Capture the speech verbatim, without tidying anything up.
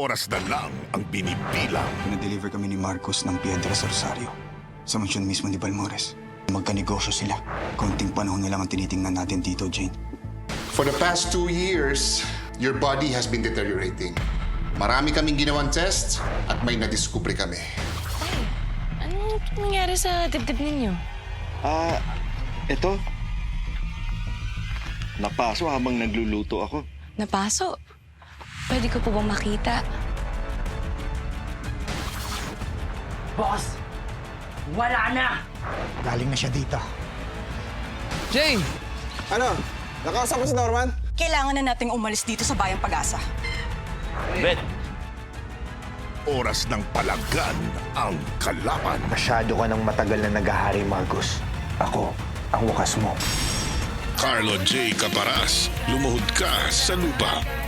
oras na lang ang binibilang. Na-deliver kami ni Marcos ng Piedra sa Rosario. Sa mansyon mismo ni Balmores. Magkanegosyo sila. Konting panahon na lang ang tinitingnan natin, Tito Jane. For the past two years, your body has been deteriorating. Marami kaming ginawang test at may nadiskubre kami. Ay, anong nangyari sa dibdib ninyo? Ah, eto. Napaso habang nagluluto ako. Napaso? Pwede ko po bang makita? Boss, wala na! Galing na siya dito. Jane! Ano? Nakausap mo si Norman? Kailangan na nating umalis dito sa Bayang Pag-asa. Bet! Oras ng palagan ang kalaban. Masyado ka ng matagal na naghahari, Marcos. Ako, ang wakas mo. Carlo J. Caparas, lumuhod ka sa lupa.